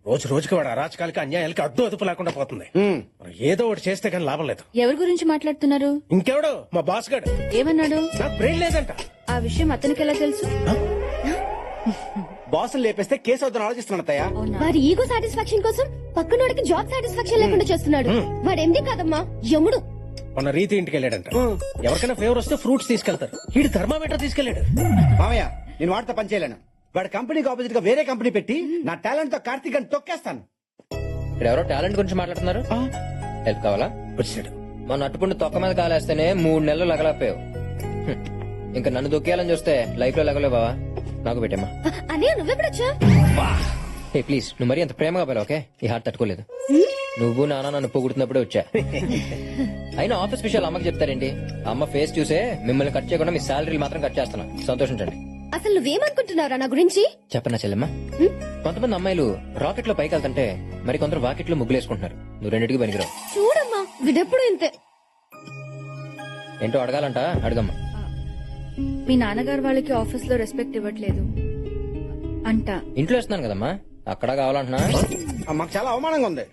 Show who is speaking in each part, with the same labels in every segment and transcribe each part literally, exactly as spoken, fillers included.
Speaker 1: రోజు రోజుకి వాడు అరాచకాలకి అన్యాయాలకి అడ్డు అదుపు లేకుండా పోతుంది. మనం ఏదో ఒకటి చేస్తే కానీ లాభం లేదు.
Speaker 2: ఎవరి గురించి మాట్లాడుతున్నారు?
Speaker 1: ఇంకెవడో మా బాస్ గడు.
Speaker 2: ఏమన్నాడు?
Speaker 1: నాకు బ్రెయిన్ లేదంట.
Speaker 2: ఆ విషయం అతనికి ఎలా తెలుసు?
Speaker 3: బాసులు లేపేస్తే కేసు అవుతాను ఆలోచిస్తున్నాడు అత్తయ్య.
Speaker 4: వారి ఈగో సాటిస్ఫాక్షన్ కోసం పక్కనోడికి జాబ్ సాటిస్ఫాక్షన్ లేకుండా చేస్తున్నాడు. వాడు ఎండి కాదమ్మా, యముడు.
Speaker 1: మన రీతి ఇంటికి వెళ్ళాడంట. ఎవరికైనా ఫేవర్ వస్తే ఫ్రూట్స్ తీసుకెళ్తారు. వీడు థర్మామీటర్ తీసుకెళ్లాడు.
Speaker 3: మామయ్య నేను వాడితో పని చేయలేను. వాడి కంపెనీకి ఆపోజిట్ గా వేరే కంపెనీ పెట్టి నా టాలెంట్ తో కార్తీక్ అని తొక్కేస్తాను.
Speaker 5: ఇక్కడ ఎవరో టాలెంట్ గురించి మాట్లాడుతున్నారు. హెల్ప్ కావాలా?
Speaker 1: వచ్చాడు.
Speaker 5: మన అట్టుపుండి తొక్క మీద కాలేస్తేనే మూడు నెలలు లగలపోయావు. హ్మ్. ఇంకా నన్ను దొక్కేయాలని చూస్తే లైఫ్ లో లగలే బావా. నాకు పెట్టమ్మా.
Speaker 4: అనే నువ్వెప్పుడొచ్చా?
Speaker 5: ఏ ప్లీజ్ నువ్వు మరీ అంత ప్రేమగా పోయావు. ఓకే, ఈ హార్ట్ తట్టుకోలేదు. నువ్వు నాన్న నన్ను పొగుడుతున్నప్పుడే వచ్చా. అయినా ఆఫీస్ విషయాలు అమ్మకి చెప్తారేంటి? అమ్మ ఫేస్ చూసే మిమ్మల్ని కట్ చేయకుండా మీ శాలరీలు మాత్రం కట్ చేస్తున్నా. సంతోషించండి.
Speaker 4: అసలు నువ్వేమనుకుంటున్నారా నా గురించి?
Speaker 5: చెప్పనా చెల్లెమ్మా? కొంతమంది అమ్మాయిలు రాకెట్ లో పైకి వెళ్తుంటే మరి కొందరు వాకెట్ లో ముగ్గులేసుకుంటున్నారు. నువ్వు రెండింటికి పనికిరావు.
Speaker 4: చూడమ్మా, వీడెప్పుడు ఇంతే.
Speaker 5: ఏంటో అడగాలంట, అడగమ్మా.
Speaker 2: మీ నాన్నగారు వాళ్ళకి ఆఫీస్ లో రెస్పెక్ట్ ఇవ్వట్లేదు అంట.
Speaker 5: ఇంట్లో ఇస్తున్నాను కదమ్మా, అక్కడ కావాలంటున్నా.
Speaker 3: ఆ, మాకు చాలా అవమానంగా ఉంది.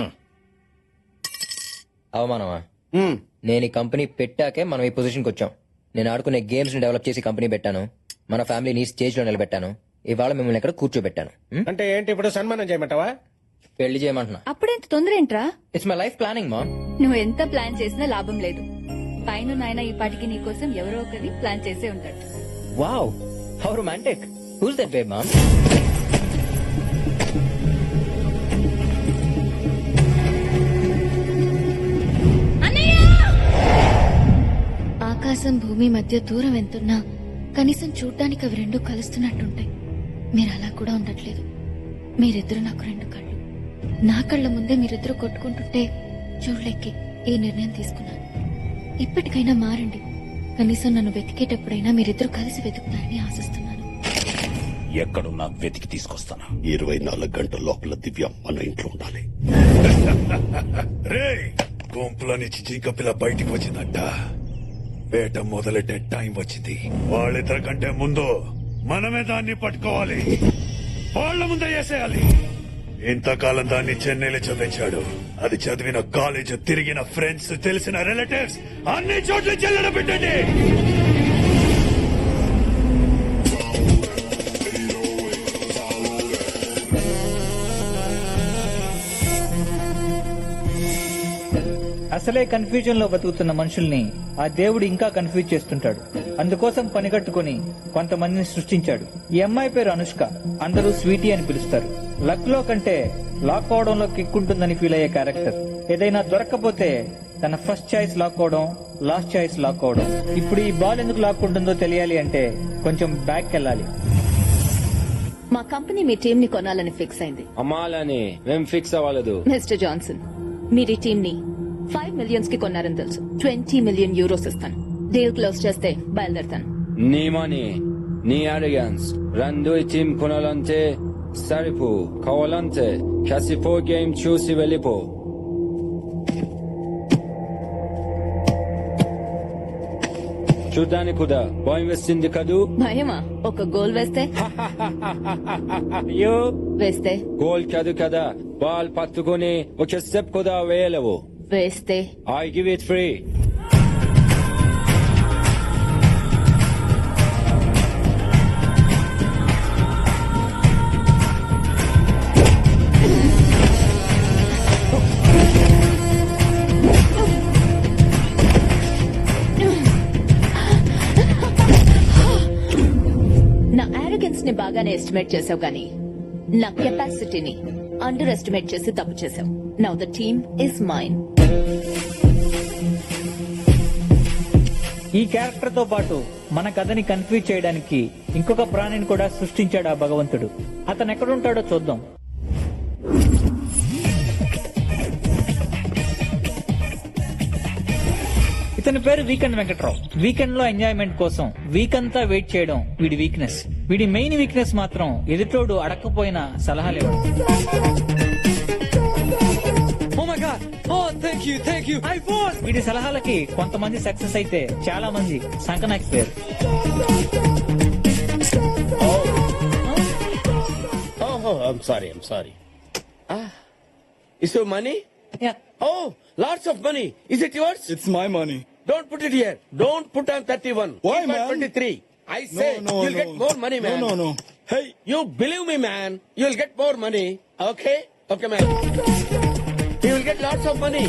Speaker 5: అవమానమా?
Speaker 3: ఉమ్.
Speaker 5: నేను ఈ కంపెనీ పెట్టాకే మనం ఈ పొజిషన్కి వచ్చాం. నేను ఆడుకునే గేమ్స్ ని డెవలప్ చేసి కంపెనీ పెట్టాను. మన ఫ్యామిలీని స్టేజ్ లో నిలబెట్టాను. ఇవాళ మిమ్మల్ని ఇక్కడ కూర్చోబెట్టాను. ఉం?
Speaker 1: అంటే ఏంటి ఇప్పుడు సన్మానం చేయమంటావా?
Speaker 5: పెళ్లి చేయమంటున్నా.
Speaker 2: అప్పుడెంత తొందర ఏంట్రా?
Speaker 5: ఇట్స్ మై లైఫ్ ప్లానింగ్ మా.
Speaker 2: నువ్వు ఎంత ప్లాన్ చేసినా లాభం లేదు. పైన నాయన ఈ పాటికి నీ కోసం ఎవరో ఒకరి ప్లాన్ చేసే ఉంటాడు.
Speaker 5: Wow, how romantic. Who's that babe ma'am?
Speaker 4: ఆకాశం భూమి మధ్య దూరం ఎంతున్నా కనీసం చూడ్డానికి అవి రెండు కలుస్తున్నట్టుంటాయి. మీరు అలా కూడా ఉండట్లేదు. మీరిద్దరు నాకు రెండు కళ్ళు. నా కళ్ళ ముందే మీరిద్దరు కొట్టుకుంటుంటే చూడలేకే ఈ నిర్ణయం తీసుకున్నాను. ఇప్పటికైనా మారండి. కనీసం నన్ను వెతికేటప్పుడైనా మీరిద్దరు కలిసి వెతుకుతారని ఆశిస్తున్నాను.
Speaker 6: ఎక్కడున్నా వెతికి తీసుకొస్తాను. ఇరవై నాలుగు గంటల లోపల దివ్య మన ఇంట్లో ఉండాలి. రే గుంపులో నుంచి జింక పిల్ల బయటికి వచ్చిందంట. వేట మొదలెట్టే టైం వచ్చింది. వాళ్ళిద్దరి కంటే ముందు మనమే దాన్ని పట్టుకోవాలి. వాళ్ళ ముందే వేసేయాలి. ఇంతకాలం దాన్ని చెన్నైలో చదివించాడు. అది చదివిన కాలేజ్, తిరిగిన ఫ్రెండ్స్, తెలిసిన రిలేటివ్స్ అన్ని చోట్ల చెల్లెడ పెట్టండి.
Speaker 7: అసలే కన్ఫ్యూజన్ లో బతుకుతున్న మనుషుల్ని ఆ దేవుడు ఇంకా కన్ఫ్యూజ్ చేస్తుంటాడు. అందుకోసం పనిగట్టుకుని కొంతమందిని సృష్టించాడు. ఈ అమ్మాయి పేరు అనుష్క. అందరూ స్వీటీ అని పిలుస్తారు. లక్ లో కంటే లాక్ అవడంలో కిక్కుంటుందని ఫీల్ అయ్యే క్యారెక్టర్. ఏదైనా దొరక్కపోతే తన ఫస్ట్ చాయిస్ లాక్ అవడం, లాస్ట్ చాయిస్ లాక్ అవడం. ఇప్పుడు ఈ బాల్ ఎందుకు లాక్కుంటుందో తెలియాలి అంటే కొంచెం బ్యాక్ వెళ్ళాలి.
Speaker 8: మా కంపెనీ మీ టీం ని కొనాలని ఫిక్స్ అయింది.
Speaker 9: అమ్మాలని మేం ఫిక్స్ అవ్వలేదు.
Speaker 8: మిస్టర్ జాన్సన్, మీరు ఈ టీం ని ఫైవ్ మిలియన్స్ కి కొన్నారని తెలుసు. ట్వంటీ మిలియన్ యూరోస్ ఇస్తాను. డీల్ క్లోజ్ చేస్తే బయలుదేరుతాను.
Speaker 9: నీ మనీ, నీ అరిగన్స్ రెండు ఈ టీం కొనాలంటే సరిపో. కావాలంటే కసిపో గేమ్ చూసి వెళ్ళిపో. చూడ్డానికి కూడా భయం వేస్తుంది కదూ?
Speaker 8: భయమా? ఒక గోల్ వేస్తే
Speaker 9: అయ్యో,
Speaker 8: వేస్తే
Speaker 9: గోల్ కాదు కదా, బాల్ పట్టుకుని ఒక స్టెప్ కూడా వేయలేవు.
Speaker 8: వేస్తే
Speaker 9: ఐ గివ్ ఇట్ ఫ్రీ.
Speaker 8: నా ఆరోగెన్స్ ని బాగానే ఎస్టిమేట్ చేసావు కానీ నా కెపాసిటీని అండర్ ఎస్టిమేట్ చేసి తప్పు చేసావు. Now the team is mine.
Speaker 7: ఈ క్యారెక్టర్ తో పాటు మన కథని కన్ఫ్యూజ్ చేయడానికి ఇంకొక ప్రాణిని కూడా సృష్టించాడు ఆ భగవంతుడు. అతను ఎక్కడుంటాడో చూద్దాం. ఇతని పేరు వీకెండ్ వెంకట్రావు. వీకెండ్ లో ఎంజాయ్మెంట్ కోసం వీక్ అంతా వెయిట్ చేయడం వీడి వీక్నెస్. వీడి మెయిన్ వీక్నెస్ మాత్రం ఎదుటోడు అడగకపోయిన సలహాలు ఇవ్వడం. వీడి సలహాలకి కొంతమంది సక్సెస్ అయితే చాలా మంది సంకనాకిపోయారు.
Speaker 1: ఓహో, I'm sorry I'm sorry
Speaker 10: Is your money?
Speaker 1: Yeah.
Speaker 10: Oh, lots of money. Is it yours?
Speaker 11: It's my money.
Speaker 10: Don't put it here. Don't put on thirty-one.
Speaker 11: Why,
Speaker 10: Keep on
Speaker 11: man?
Speaker 10: twenty-three. I say
Speaker 11: no,
Speaker 10: you'll
Speaker 11: no.
Speaker 10: get more money, man.
Speaker 11: No, no, no. Hey,
Speaker 10: You believe me, man. You'll get more money. Okay? Okay, man. You will get lots of money.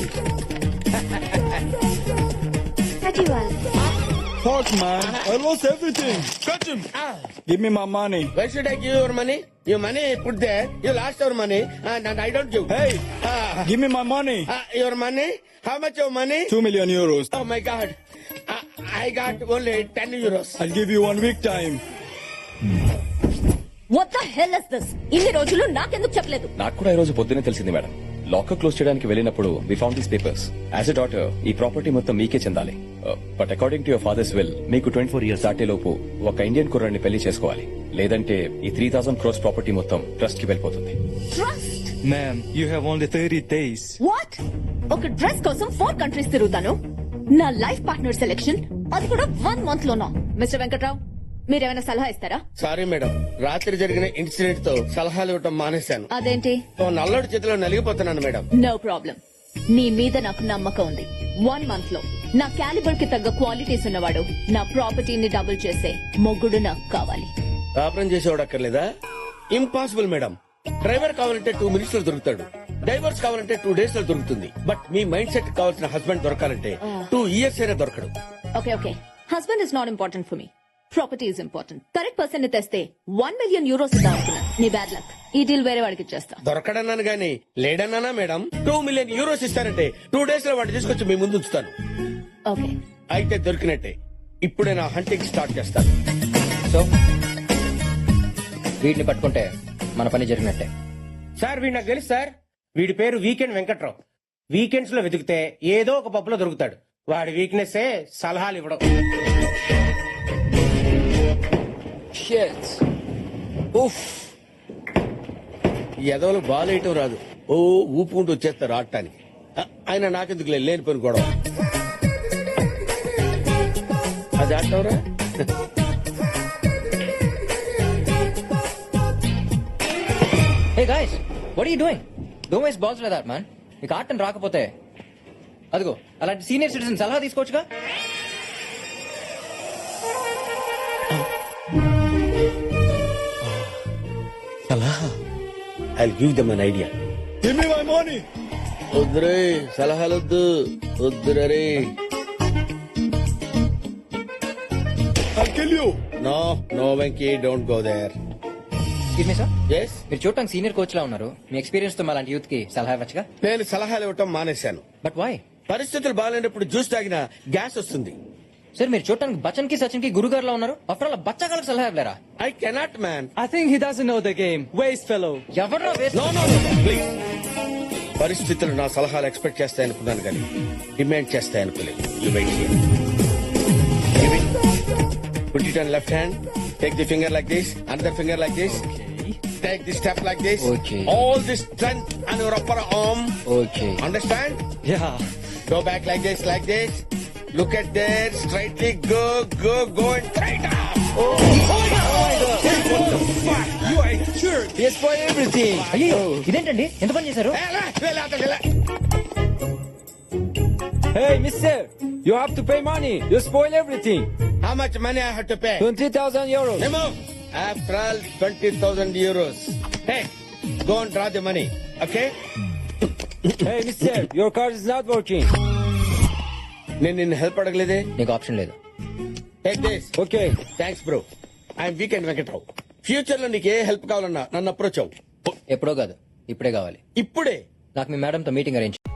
Speaker 11: fuck, man. I lost everything.
Speaker 10: Catch him. Ah.
Speaker 11: Give me my money.
Speaker 10: Why should I give you your money? Your money put there. You lost your money and, and I don't give.
Speaker 11: Hey,
Speaker 10: Ah.
Speaker 11: give me my money.
Speaker 10: Ah, your money? How much your money?
Speaker 11: Two million euros.
Speaker 10: Oh my God. Ah, I got only ten euros.
Speaker 11: I'll give you one week time.
Speaker 8: What the hell is this? ఇన్ని రోజులు నాకెందుకు చెప్పలేదు?
Speaker 12: నాకు కూడా ఈ రోజు పొద్దునే తెలిసింది మేడం. లాకర్ క్లోజ్ చేయడానికి వెళ్ళినప్పుడు we found these papers. As a daughter ఈ ప్రాపర్టీ మొత్తం మీకే చెందాలి. But according to your father's will మీకు ట్వంటీ ఫోర్ ఇయర్స్ దాటే లోపు ఒక ఇండియన్ కుర్రాన్ని పెళ్లి చేసుకోవాలి. లేదంటే ఈ త్రీ థౌసండ్ క్రోర్స్ ప్రాపర్టీ మొత్తం ట్రస్ట్ కి వెళ్ళిపోతుంది.
Speaker 8: Trust?
Speaker 11: Ma'am, you have only thirty days.
Speaker 8: What? ఒక డ్రెస్ కోసం ఫోర్ కంట్రీస్ తిరుగుతాను. నా లైఫ్ పార్ట్నర్ సెలెక్షన్ అది కూడా వన్ మంత్ లోనా? మిస్టర్ వెంకట్రావు, మీరేమైనా సలహా ఇస్తారా?
Speaker 10: సారీ మేడం, రాత్రి జరిగిన ఇన్సిడెంట్ తో సలహాలు ఇవ్వటం మానేశాను.
Speaker 8: అదేంటి?
Speaker 10: ఓ నల్లడి చేతిలో నలిగిపోతున్నాను మేడం.
Speaker 8: No problem. నీ మీద నాకు నమ్మకం ఉంది. వన్ మంత్ లో నా క్యాలిబర్ కి తగ్గ క్వాలిటీస్ ఉన్నవాడు, నా ప్రాపర్టీని డబుల్ చేసే మొగ్గుడు నాకు కావాలి.
Speaker 10: కాపురం చేసేవాడు అక్కర్లేదా? Impossible madam. డ్రైవర్ కావాలంటే టూ మినిట్స్ లో దొరుకుతాడు. డైవర్స్ కావాలంటే టూ డేస్ లో దొరుకుతుంది. బట్ మీ మైండ్ సెట్ కావాల్సిన హస్బెండ్ దొరకాలంటే టూ ఇయర్స్ అయినా దొరకడు.
Speaker 8: Okay okay, husband is not important for me. Property is important. Correct person ని తెస్తే వన్ మిలియన్ యూరోస్ ఇద్దాం అనుకున్నాను. నీ బ్యాడ్ లక్. ఈ డీల్ వేరే వాడికి ఇచ్చేస్తా.
Speaker 10: దొరకడన్నాను గానీ లేడన్నానా మేడం? టూ మిలియన్ యూరోస్ ఇస్తారంటే టూ డేస్ లో వాడు తీసుకొచ్చి మీ ముందు ఉంచుతాను.
Speaker 8: ఓకే,
Speaker 10: అయితే దొరికినట్టే. ఇప్పుడే నా హంటింగ్ స్టార్ట్ చేస్తాను.
Speaker 5: సో వీటిని పట్టుకుంటే మన పని జరిగినట్టే.
Speaker 1: సార్ వీడు నాకు తెలుసు సార్. వీడి పేరు వీకెండ్ వెంకట్రావు. వీకెండ్స్ లో వెతికితే ఏదో ఒక పప్పులో దొరుకుతాడు. వాడి వీక్నెస్ సలహాలు ఇవ్వడం.
Speaker 10: Shit. ఉఫ్. ఈ ఎదవలు బాలేయటం రాదు. ఓ ఊపుకుంటూ వచ్చేస్తారు ఆడటానికి. అ- ఆయన నాకెందుకు లేని పని గొడవ. అది ఆడటవరా?
Speaker 5: Hey guys, what are you doing? Don't waste balls like that man. మీకు ఆటం రాకపోతే అదిగో అలాంటి సీనియర్ సిటిజన్ సలహా తీసుకోవచ్చుగా.
Speaker 10: I'll give them an idea.
Speaker 11: Give me my money.
Speaker 10: వద్దురే సలహాలొద్దు. వద్దురే.
Speaker 11: I'll kill you.
Speaker 10: No no Venky, don't go there.
Speaker 5: Excuse me sir,
Speaker 10: yes,
Speaker 5: మీరు చూడటానికి సీనియర్ కోచ్ లా ఉన్నారు. మీ ఎక్స్పీరియన్స్ తో అలాంటి యూత్ కి సలహా ఇవ్వచ్చుగా.
Speaker 10: నేను సలహాలు ఇవ్వటం మానేశాను.
Speaker 5: But why?
Speaker 10: పరిస్థితులు బాగాలేనప్పుడు జ్యూస్ తాగినా గ్యాస్ వస్తుంది.
Speaker 5: సార్ మీరు చూడటానికి బచ్చన్ కి సచిన్ కి గురుగారు లా ఉన్నారు. ఆఫ్టర్ ఆల్ బచ్చగాళ్ళకి సలహా ఇవ్వలేరా?
Speaker 10: I cannot man.
Speaker 7: I think he doesn't know the game. Waste fellow.
Speaker 5: ఎవరు
Speaker 10: నో నో ప్లీజ్. పరిస్థితులు నా సలహాలు ఎక్స్పెక్ట్ చేస్తాయనుకున్నాను కానీ డిమాండ్ చేస్తాయనుకోలేదు. You wait here. Give it. Put it on left hand. Take the finger like this. Another finger like this. Take this step like this.
Speaker 5: Okay.
Speaker 10: All this strength on your upper arm.
Speaker 5: Okay.
Speaker 10: Understand?
Speaker 7: Yeah.
Speaker 10: Go back like this, like this. Look at there. Straightly go, go, go and straight up. Oh, oh my God. What the fuck? You are sure.
Speaker 5: Yes, for everything. అయ్యో ఇదేంటండి, ఎంత పని చేశారు?
Speaker 10: Hey, la, la, la, la, la.
Speaker 9: Hey, mister, you have to pay money. You spoil everything.
Speaker 10: How much money I have to pay?
Speaker 9: twenty thousand euros.
Speaker 10: Remove. After all, twenty thousand euros. Hey, go and draw the money. Okay?
Speaker 9: Hey, mister, your card is not working.
Speaker 10: నేను నిన్ను help అడగలేదే.
Speaker 5: నీకు option లేదు.
Speaker 10: Take this.
Speaker 9: Okay.
Speaker 10: Thanks bro. I'm weekend Venkatrao. Future లో నీకు ఏ help కావాలన్నా నన్ను approach అవ్వు.
Speaker 5: ఎప్పుడో కాదు, ఇప్పుడే కావాలి.
Speaker 10: ఇప్పుడే.
Speaker 5: నాకు మీ మేడంతో మీటింగ్ అరేంజ్